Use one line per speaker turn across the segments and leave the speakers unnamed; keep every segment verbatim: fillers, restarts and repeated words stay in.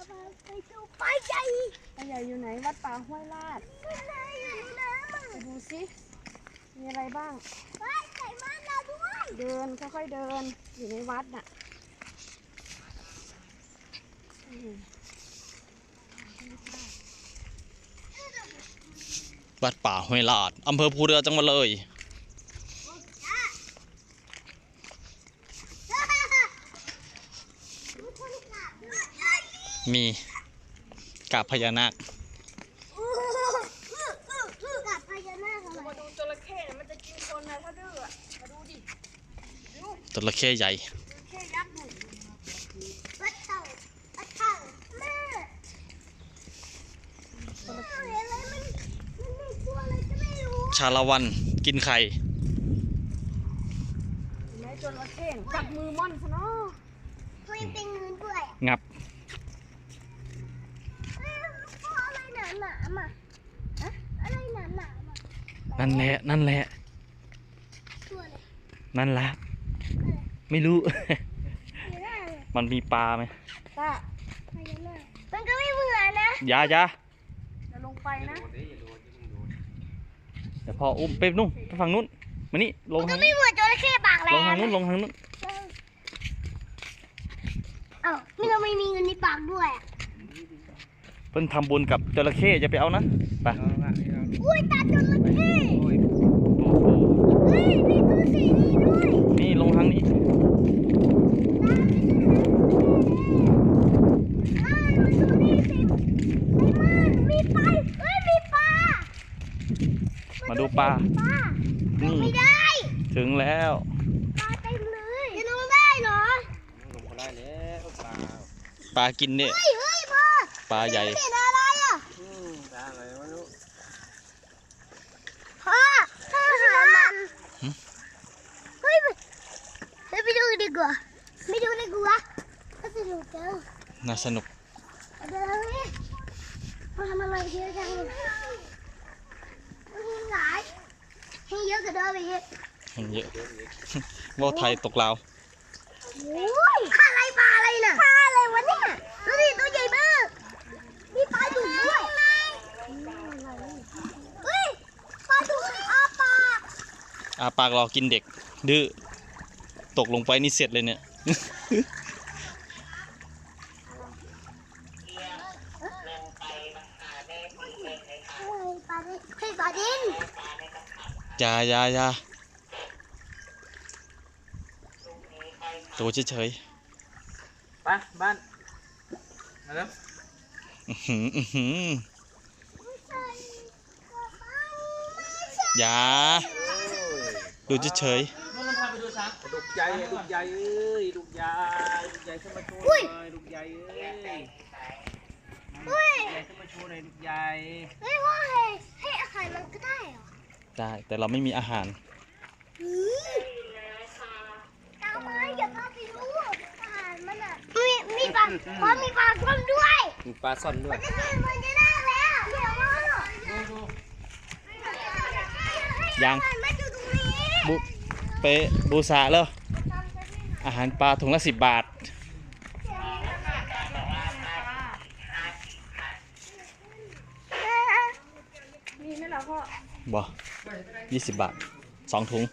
ไปดูปลาใหญ่
ปลาใหญ่อยู่ไหนวัดป่าห้วยลาด
ข้างในอยู่ในน้ำอ่ะ
ไปดูสิมีอะไรบ้าง
ไปใส่มันเราด้วย
เดินค่อยๆเดินอยู่ในวัดน่ะ
วัดป่าห้วยลาดอำเภอภูเรือจังหวัดเลยมีกาบพญานาค
กับพญานาคอะไร
มาดูจระเข้เนี่ยมันจะกินคนนะถ้าดื้อมาดูดิ
จระเข้ใหญ่
จระเข้ยักษ์หนึ่ง
วัดเต่าวัดเต่าแม่เห็นอะไรมันมันมีตัวอะไรก็ไม่รู้
ชาละวันกินไข่
ไหนจระเข้จับมือม่อนซะเนาะ
ตัวยังเป็นเงินด้วย
งับ
อะไรหนาหนามาอะอะไรหนาหนามา
นั่นแหละนั่นแหละ
ตัวอะไร
นั่นละไม่รู้
พญานาค
มันมีปลาไหม
ตา
พญานาคมันก็ไม่เหมือนนะ
อยาอยา
จะลงไปนะ
เดี๋ยวพออุ้มไปนู่นไปฝั่งนู้นมานี่ลง
มันก็
ทาง
ไม่
นี้
เหมือนจระเข้ปากแหล
ลงทาง
ม
นู้นลงทางนู้น
เอ้านี่เราไม่มีเงินในปากด้วยอ่ะ
เพิ่นทำบุญกับจระเข้จะไปเอานะไป
อุ้ยตาจระเข้
โอ้โห
เฮ้ยมีตัวสีนี้ด้วย
นี่ลงทางนี้
อ้าวดูตัวนี้สิไอ้มันมีปลาเฮ้ยมีปลา
มาดูปลา
ปลาล
นี่
งไม่ได้
ถึงแล้ว
ปลาเต็มเลยจะลงได้เหรอ
ปลากินเนี่ย
เฮ้ยเฮ้ยพ่อ
ปลาใหญ่
เห็นอะไรอ่ะพ่อพ่อหามันเฮ้ยไปเฮ้ยไปดูดีกว่าไม่ดูดีกว่าก็สนุกจัง
น่าสนุก
เดี๋ยวนี้พ่อทำอะไรเยอะจังเลยมันมีหลายให้เยอะกว่าเดิมอีก
มันเยอะ ว่าวไทยตกลาว
โอ้ยปลาอะไรปลาอะไรน่ะปลาอะไรวะเนี่ยดูดิตัวใหญ่มากมีปลาดุกด้วยเฮ้ยปลาดุกอาปาก
อาปากรอกินเด็ก ดื้อตกลงไปนี่เสร็จเลยเนี่ย
เฮ้ยปลาดินเฮ้ยปลาดิน
อยาอยาอยาตัวเฉย
ไปบ้านมาแล้ว
ๆอื้อหืออื้อหืออยาดูเฉย
นู่นพาไปดูช้างลูกใหญ่ลูกใหญ่เอ้ยลูกใหญ่ลูกใหญ่ขึ้นมาโชว์หน่อยลูกใหญ่เอ้ย
เฮ้ย
ใหญ่ขึ้นมาโชว์หน่อยลูกใหญ่
เฮ้ยว่าให้ให้อาหารมันก็ได้เหรอ
ๆได้แต่เราไม่มีอาหาร
หือตามมาอย่าพาไปดูอาหารมันอ่ะมีมีปลาเพราะมีปลาส้มด้วย
มีปลาซ่อนด้ว
มั
ย
นจะกินมันจะได้แล้วเดี๋ยวมาหรอ
ดูดู
ยัง
มันอยู่ตรงนี้
บุไปบูชาแล้วอาหารปลาถุงละสิบบาท
มีไหมล่ะพ่อ
บ่ยี่สิบบาทสองถุง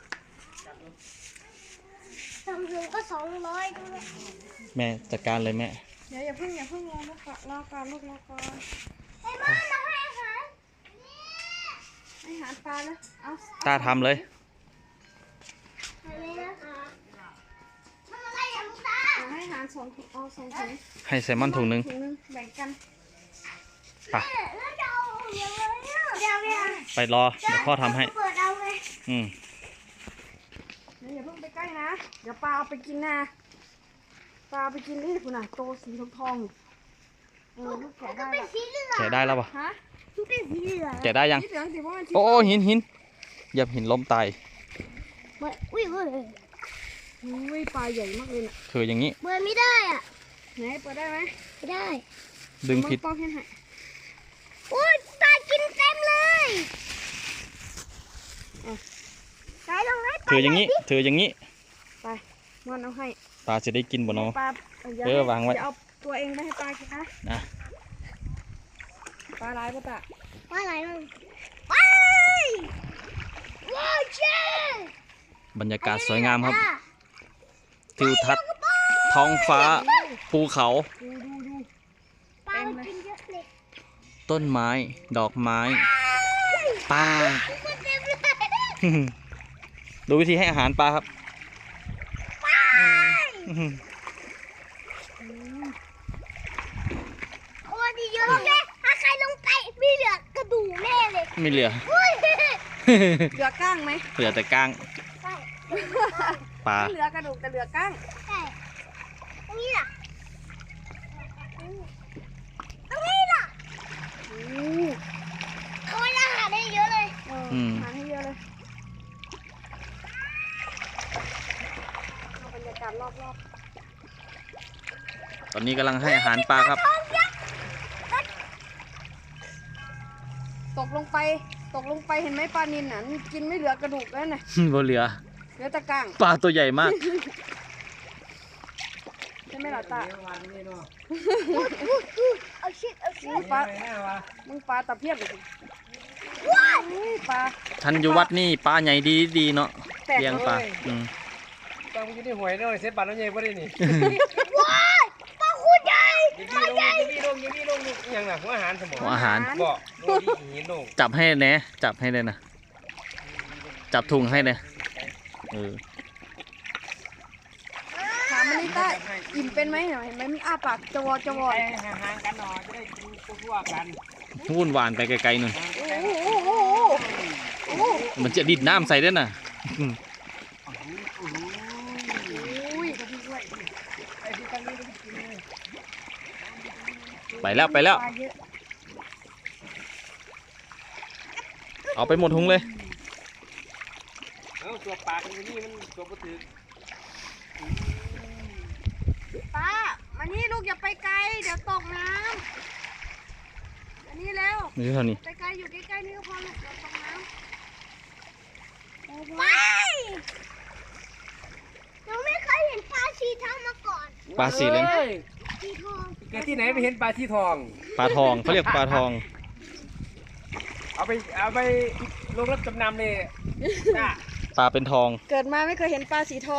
ทำถึงก็สองร้อยด้วย
แม่จัดการเลยแม่
เดี๋ยวอย่าเพิ่งอย่าเพิ่งรอลูกรอก่อนลูกรอก่อน
ให้บ้านเราให้อาหาร
ให้อาหารปลานะเอา
ตาทำเลย
ให้เลยนะคะทำอะไรอ่ะลูกตา
เอาให้อาหารสองถุงเอาสองถุง
ให้แซลมอนถุงหนึ่ง
ถุงหนึงแบ่งกัน
ไป
แล้วจะเอาอย่างไรเนี่ยเดี๋ยวเนี่ย
ไปรอ เดี๋ยวพ่อทำให้
เปิดเอาไง
อืม
เดี๋ยวอย่าเพิ่งไปใกล้นะ เดี๋ยวปลาเอาไปกินนะปลาเอาไปกินนี่คุณน่ะโตสีทองทองๆเออลูกแกะ
ก็
ได้
เป็น
ละ
สีเหลือง
แกะได้แล้วปะ
ฮะ
มันเป็นสีเหลือง
แกะได้ยัง
สีเหลืองสิเพราะมัน
โอ้โอ้หินหินเหยับหินล้มตาย
เปิดอุ้ยเว้ย
อุ้ยปลาใหญ่มากเลยน่ะ
คืออย่างนี้
เปิดไม่ได้อ่ะ
ไหนเปิดได้ไหม
ไม่ได้
ดึงผิด
ป้องให้ให้
อุ้ยปลากินเต็มเลยไหนลองให้ปลา
ถืออย่างนี้ ถืออย่างนี้
ไปมอนเอาให้
ปลาจะได้กินบ่เนาะ
ปลาย่า
เออวางไว้
อย่าเอาตัวเองไม่ให้ปลากินนะ
นะ
ปลาร้ายปะตะ
ว่าอะไรมึงไปว้าวเช่
บรรยากาศสวยงามครับทิวทัศน์ท้องฟ้าภูเขา
ดูดูดู
ปลามันกินเยอะเลย
ต้นไม้ดอกไม้ปลา
มันเต็มเลย
ดูวิธีให้อาหารปลาครับ
โอ้ดีเยอะเลยถ้าใครลงไปมีเหลือกระดูกแน่เลย
ไม่เหลือ
อุ้ย
เหลือก้างไหม
เหลือแต่ก้าง
ใช่
ปลา
ไม่เหลือกระดูกแต่เหลือก้าง
ใช่ตรงนี้ล่ะตรงนี้ล่ะ
อู้
เขาให้อาหารได้เยอะเลย
เออหาให้เยอะเลยเอาบรรยากาศรอบ
ตอนนี้กำลังให้อาหารปลาครับ
ๆตกลงไปตกลงไปเห็นไหมปลานิลน่ะมันกินไม่เหลือกระดูกแล้วน่ะ
บ่เหลือ
เหลือแต่ก้าง
ปลาตัวใหญ่มาก
ใช่ไหมล่ะตา
เอาชิดเอาชิ
มึ
ด
งปลามึงปลาตะเพียบเลยสิ
ว้าย
อุ้ยปลา
ทันอยู่วัดนี่ปลาใหญ่ดีดีเนาะ
แตก
เลี้ยงปลาอืม
ตอนอยู่ในหวยน้อยเซ็ตบัตรน้ำใหญ่บ่ได้นี่
ว้ายปลาคูใหญ่
ยิงพี่ลงยิงพี่ลงยิงพี่ลงนี่ยังหนักหัวอาหารสมอง
หัวอาหาร
บ่โดนที่หินลง
จับให้แหน่จับให้เลยนะจับถุงให้เลยเออ
ถามมันนี่ใต้อิ่มเป็นไหมเห็นไหมมันอ้าปากจวอจวอ
ไปห่างๆกันหน่อยจะได้ดูทั่วๆกัน
วุ่นวานไปไกลๆหน่อย
โอ้โหโอ้โหโอ้โห
มันจะดิดน้ำใส่ด้วยน่ะ
อุ้ย
ไปแล้วไปแล้ว
ปลาเยอะ
เอาไปหมดถุงเลย
เอ้าตัวปลากันนี่มันตัวบ่ถือ
ป้ามานี่ลูกอย่าไปไกลเดี๋ยวตกน้ำอันนี้เร็ว
นี่เท่านี้
ไปไกลอยู่ใกล้ๆนี่ก็พอลูกเดี๋ยวตกน้ำ
ไปหนูไม่เคยเห็นปลาชีทองมาก่อน
ปลาสีเลยนะ
ชีทอง
เกิดที่ไหนไปเห็นปลาที่ทอง
ปลาทองเขาเรียกปลาทอง
เอาไปเอาไปลงรับจำนำเลยจ้า
ปลาเป็นทอง
เกิดมาไม่เคยเห็นปลาสีทอง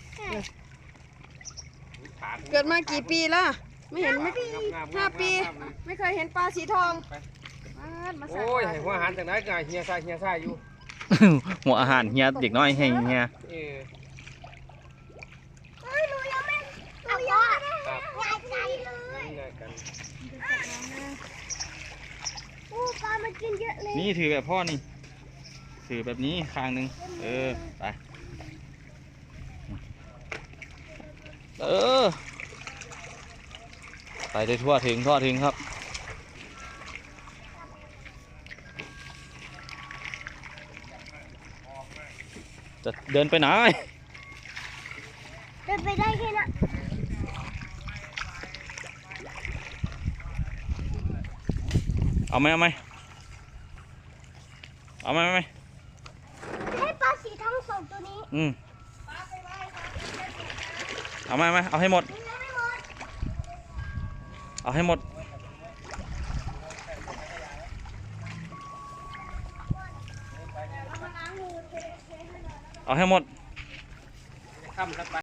เกิดมากี่ปีแล้วไม่เห็นไม่ห้าปี ไม่เคยเห็นปลาสีทองมามาใส่
โอ้ยให้หัวอาหารจากไหนก็เฮียซ่าเฮียซ่าอยู่
หัวอาหารเฮียเด็กน้อยให้เฮีย
เออ
เฮ้ยหนูยังไม่หนูยังไม่ได้
ครับ
หายใจเลย
นี่ไงกัน
โอ้ปลามันกินเยอะเลย
นี่ถือแบบพ่อนี่ถือแบบนี้ข้างหนึ่งเออไปเออไปได้ทั่วถึงทั่วถึงครับจะเดินไปไหน
เดินไปได้แค่นั้น
เอาไหมเอาไหมเอาไหมเอาไหม
ให้ปลาสีทองสองตัวนี้
อืมเอาไหมเอาไหมเอาให้หมด
ยังไม่หมด
เอาให้หมด เอาให้หมด
ค่ำแล้วไป